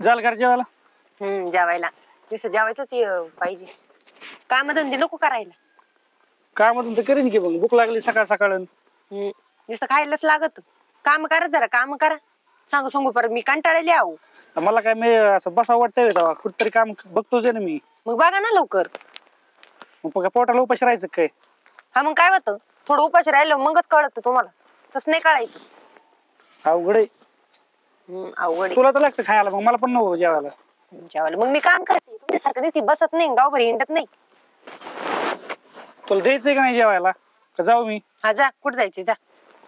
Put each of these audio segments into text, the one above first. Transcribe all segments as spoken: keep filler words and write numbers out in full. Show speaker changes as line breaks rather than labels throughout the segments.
झालं का जेवायला?
हम्म जेवायला तसं जेवायचंच अं, पाहिजे. काम धंदे नको करायला.
काय म्हणून तर करीन की मग भूक लागली सकाळ सकाळ.
हम्म नुसतं खायलाच लागत. काम करा जरा काम करा. सांगू सांगू परत मी कंटाळले आहो.
मला काय मी असं बसावं वाटतंय तेव्हा कुठतरी काम बघतोच आहे ना मी.
मग बघा ना लवकर.
मग काय पोटाला उपाशी राहायचं काय?
हा मग काय होतं थोडं उपाशी राहिलं मगच कळत तुम्हाला. तसं नाही कळायचं.
अवघड आहे.
हम्म अवघड आहे.
तुला तर लागतं खायला मग मला पण नको जेवायला.
जेवायला मग मी काम करते तुमच्यासारखं दिसती बसत नाही गावभर हिंडत नाही.
तुला द्यायचंय का नाही जेवायला का जाऊ मी?
हा जा कुठं जायचे जा.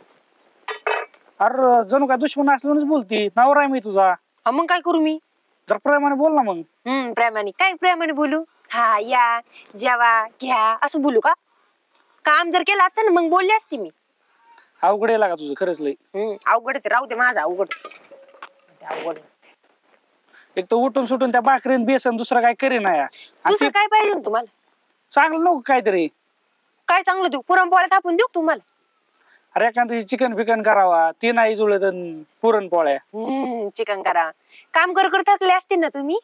अरे जणू काय दुश्मन असल्यानंच बोलती. नवरा आहे मी तुझा.
हा मग काय करू मी.
जर प्रेमाने बोल ना मग.
हम्म प्रेमाने काय प्रेमाने बोलू. हा या जेवा घ्या असं बोलू का. काम जर केलं असतं ना मग बोलले असते मी.
अवघड आहे लागा तुझं खरंच लय.
हम्म अवघडच राहू दे माझं अवघड. ते अवघड
एक तर उठून सुटून त्या भाकरीन बेसन दुसरं काय करीना या. आणि
दुसरं
ते
काय पाहिजे ना तुम्हाला.
चांगलं नको काहीतरी.
काय चांगलं देऊ पुरणपोळ्या थापून देऊ का तुम्हाला.
अरे एखाद्या चिकन फिकन करावा ते नाही जुळत पुरणपोळ्या.
हम्म चिकन करा. काम कर कर थकले असतील ना तुम्ही.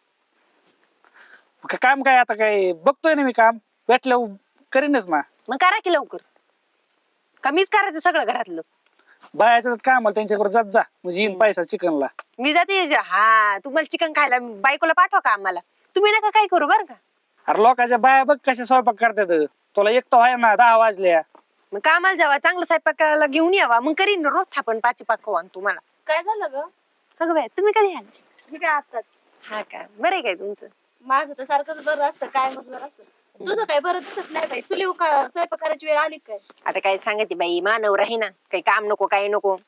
का- काम काय आता काय बघतोय ना मी काम भेटलं करीनच ना.
मग करा की लवकर. कमीच करायचं सगळं घरातलं.
बायाचं काम त्यांच्याकडे जात जा म्हणजे येईन पैसा चिकनला.
मी जाते जे- हा तुम्हाला चिकन खायला बायकोला पाठवा का आम्हाला. तुम्ही नका काय करू बरं का.
अरे लोकांच्या बाया बघ कशा स्वयंपाक करतात. तुला एकटं आहे ना दहा वाजल्या.
मग कामाला जावा चांगलं स्वयंपाकाला घेऊन यावा मग करीन ना, रोज थापण पाची पाकवान तुम्हाला.
काय झालं ग?
अगं बाय तुम्ही कधी आले.
मी काय आताच.
हा का बरं आहे काय तुमचं.
माझं तर सारखंच बरं असतं काय मग बरं असतं तुझं काय बरं दिसत नाही बाई चुली का स्वयंपाक करायची वेळ आली काय?
आता काय सांगते बाई मानवर आहे ना काही काम नको काही नको.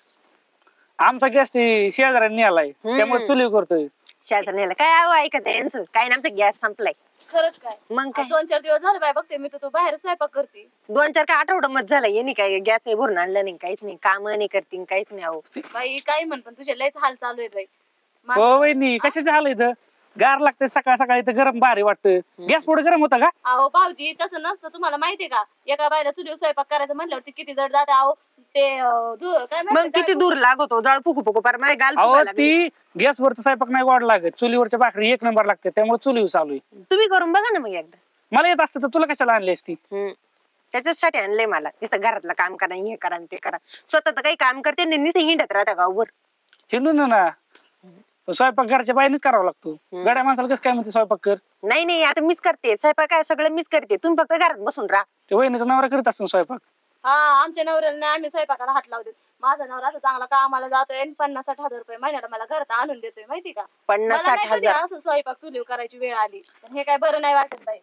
आमचा गॅस ते शेजाऱ्यांनी आलाय
हम्म.
त्यामुळे चुली करतोय.
शेजारण्याला काय आव ऐकत आहे यांचं काय ना आमचा गॅस संपलाय.
खरंच काय?
मग काय
दोन चार दिवस झाले बाय बघते मी तर तू बाहेर स्वयंपाक करते.
दोन चार काय आठवडा मत झाला यांनी काय गॅस भरून आणलं नाही काहीच नाही काम नाही करतील काहीच नाही अहो.
बाई काय म्हण पण तुझे लयच हाल चालू आहेत बाई. मा-
हो वहिनी कशाचं आलं इथं गार लागते सकाळ सकाळी इथं गरम भारी वाटतं. गॅस पुढे गरम होता का?
अहो भाऊजी तसं नसतं तुम्हाला माहितीये का एका बायला चुलीवर स्वयंपाक करायचं म्हणल्यावरती किती जड जाते अहो ते अं, दु- काय
मग
म्हणतात
किती दूर लागतो जाळ फुकू फुकू पर माझ्या गाल
अहो
फुगायला लागली.
ती गॅसवरचा स्वयंपाक नाही गोड लागत चुलीवरच्या भाकरी एक नंबर लागते त्यामुळे चुलीवर चालू आहे.
तुम्ही करून बघा ना मग एकदा.
मला येत असतं तर तुला कशाला आणली असती.
हम्म त्याच्यासाठी आणलंय मला नुसतं घरातलं काम करा हे करा आणि ते करा स्वतः तर काही काम करते नाही नुसतं हिंडत राहता गावभर.
हिंडून ना स्वयंपाक घरच्या बाहेरच करावा लागतो.
हम्म.
गड्या माणसाला कसं काय म्हणते स्वयंपाक कर.
नाही नाही आता मीच करते स्वयंपाक काय सगळं मीच करते तुम्ही फक्त घरात बसून राहा.
ते वहिनीचा नवरा करीत असतो स्वयंपाक.
हा आमच्या नवऱ्याला नाही आम्ही स्वयंपाकाला हात लावतो. माझा नवरा असं चांगला कामाला जातोय आणि पन्नास साठ हजार रुपये महिन्याला मला घरात आणून देतोय माहिती का.
पन्नास
मला
साठ
नाही कधी
हजार
असं स्वयंपाक चुलीवर करायची वेळ आली पण हे काय बरं नाही वाटत बाई.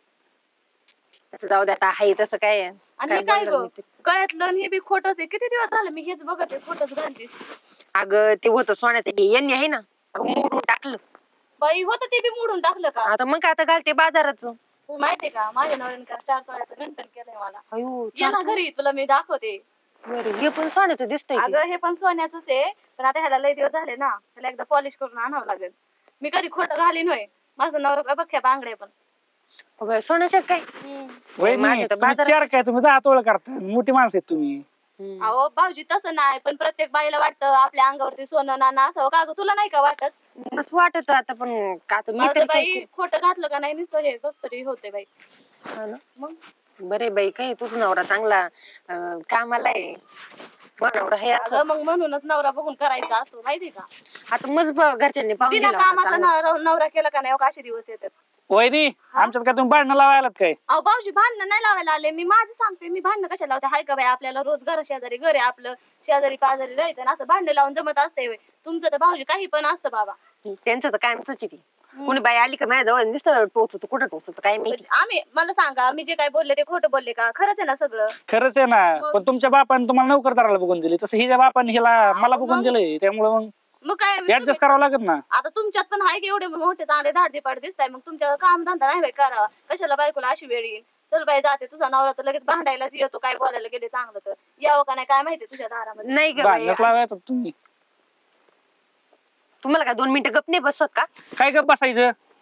आता जाऊ दे आता आहे तसं काय आहे.
आणि
काय
हे काय
बोलणार
ग
मी ते.
गळ्यातलं आणि हे बी खोटच आहे किती दिवस झाले मी हेच बघत आहे खोटच घालतीस.
अगं ते होतं सोन्याचं हे यांनी आहे ना अगं मोडून टाकलं.
बाई होतं ते बी मोडून टाकलं का?
आता मग काय आता घालते बाजाराच.
तू माहितीये का माझ्या नवऱ्याने का चार तोळ्याचं गंठण केलंय मला.
अयो
ये ना घरी तुला मी दाखवते.
बरं हे पण सोन्याचं दिसतंय की.
अगं हे पण सोन्याचंच आहे पण आता ह्याला लय दिवस झाले ना त्याला एकदा पॉलिश करून आणावं लागेल. मी कधी खोटं घालीन होय. माझं नवरा बघ्या बांगडे पण.
अगं, सोन्याचं काय
वहिनी
माझ्या तर
तुम्ही
बाजारात-
चार काय तुम्ही दहा तोळ करता मोठी माणसं आहेत तुम्ही.
हम्म.
अहो भाऊजी तसं नाही पण प्रत्येक बाईला वाटतं आपल्या अंगावरती सोनं नाणं असावं का ग तुला नाही का वाटत?
मस्त वाटत आता पण का आता मी
मला
तरी
तर बाई
काय
खोटं घातलं का नाही नुसतं हे कस तरी होते बाई.
हा ना.
मग
बरे बाई काय तुझा नवरा चांगला अं, कामाला आहे बरं नवरा हे असं.
अगं मग म्हणूनच नवरा बघून करायचा असतो माहिती का.
आता मस्त ब- घरच्यांनी पाहून
बिना
दिला होता
कामाचा
चांगला.
नवरा नवरा केला का नाही हो का असे दिवस येतात.
वहिनी आमच्यात काय तुम्ही भांडणं लावायलात काय?
अहो भाऊजी भांडणं नाही लावायला आले मी माझं सांगते मी भांडणं कशाला लावते हाय का बाई आपल्याला रोज घर शेजारी घर आहे आपलं शेजारी पाजारी राहायचं ना असं भांडण लावून जमत असते तुमचं तर भाऊजी काही पण असतं बाबा.
त्यांचं तर कायमच आहे ती कोणी बाई आली का माझ्या जवळ नुसतं टोचत कुठं टोचत काय माहिती.
आम्ही मला सांगा मी जे काय बोलले ते खोटं बोलले का खरंच आहे ना सगळं.
खरंच आहे ना
मग-
पण तुमच्या बापाने तुम्हाला नोकरदाराला बघून दिली तसं हिच्या बापाने हिला मला
मग-
बघून दिलंय त्यामुळे मग
मग काय
ऍडजस्ट करावं लागत ना.
आता तुमच्यात पण आहे की एवढे मोठे चांगले धाडते पाड दिसताय मग तुमच्या काम धंदा नाही बाई करावा कशाला बायकोला अशी वेळ येईल. चल बाई जाते तुझा नवरा तर लगेच भांडायलाच येतो काय बोलायला गेले चांगलं तर यावं का नाही काय माहिती तुझ्या दारामध्ये.
नाही ग बाई
भांडणच लावायचं तुम्ही.
तुम्हाला काय दोन मिनिटं गप नाही बसत का?
काय गप बसायचं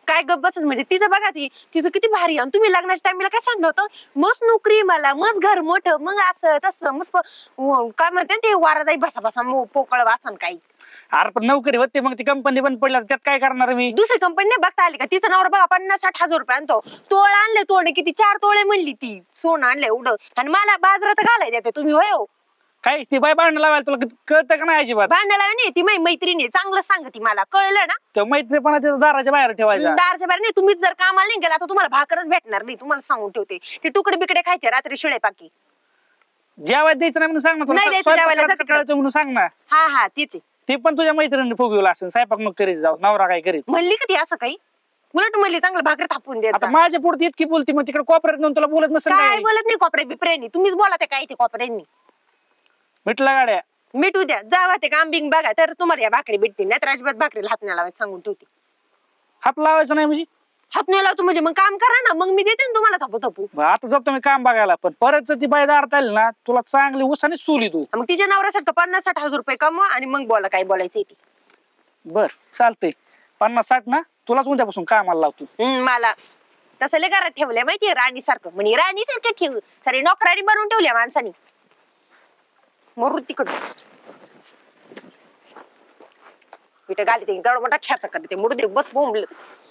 काय गप्प बसत म्हणजे तिचं बघा ती तिचं किती भारी आणि तुम्ही लग्नाच्या टाइमला काय सांगितलं होतं मस्त नोकरी मला मस्त घर मोठं मग असं तसं मस्त प- व- काय म्हणते ते वारा जाई बसा बसा मो- पोकळ वासन काही
अरे पण नोकरी होते मग ती कंपनी बंद पडल्या त्यात काय करणार मी?
दुसरी कंपनी नाही बघता आली का तिचं नावर बघा पन्नास साठ हजार रुपये आणतो तोळ आणले तोडे किती चार तोळे म्हणली ती सोनं आणलं एवढं आणि मला बाजारात घालाय देते तुम्ही होय हो
काय ती बाय भांडण लावायला तुला किती कळतं का नाही अजिबात?
भांडायला नाही ती माझी मैत्रिणी आहे, चांगलं सांगते मला कळलं ना
त्या मैत्रीपणा त्याच्या दाराच्या बाहेर ठेवायचा.
दारच्या बाहेर नाही तुम्हीच जर कामाला नाही गेला तर तुम्हाला भाकरच भेटणार नाही तुम्हाला सांगून ठेवते ते तुकडे बिकडे खायचे रात्री शिळे पाकी
जेवायला द्यायचं नाही म्हणून सांग ना
नाही
तुला.
द्यायचं जेवायला, जा
स्वयंपाकाचं
तिकडं.
कळायचं म्हणून सांग ना.
हा हा तेच आहे.
ते पण तुझ्या मैत्रिणीने फुगवलं असेल स्वयंपाक मग करीत जाऊ नवरा काय करीत.
म्हणली का ती असं काही उलट म्हणली चांगलं भाकर थापून
आता
द्यायचं
माझ्या पुढे इतकी बोलती मग तिकडे कोपऱ्यात नेऊन तुला बोलत नसेल
काय
काय?
बोलत नाही कोपऱ्या बिपऱ्यानी तुम्हीच बोला ते काय ते कोपऱ्यांनी
मिटला गाड्या.
मिटू द्या जावा ते काम बिंग बघा तर तुम्हाला या भाकरी भेटतील नाही तर अजिबात भाकरीला हात नाही लावायचं सांगून ठेवते
हात लावायचा नाही म्हणजे?
हात नाही लावतो म्हणजे मग काम करा ना मग मी देते ना तुम्हाला थापू थापू
मग आता जातो मी काम बघायला पण परत जर ती बाई दारात आली ना तुला चांगली उसाने चुली तू.
मग तिच्या नवऱ्यासारखं पन्नास साठ हजार रुपये कमवा आणि मग बोला काय बोलायचं ते
बर चालतंय. पन्नास साठ ना तुलाच उद्यापासून कामाला लावतो.
हम्म, मला तसं लय घरात ठेवलंय माहितीये राणी सारखं म्हणजे राणी सारखं ठेव सारी नोकराणी बनवून ठेवल्या माणसानी मरू तिकड पिठ घाली ते गड मोठा खेचा करते मुडू दे बस बोंबल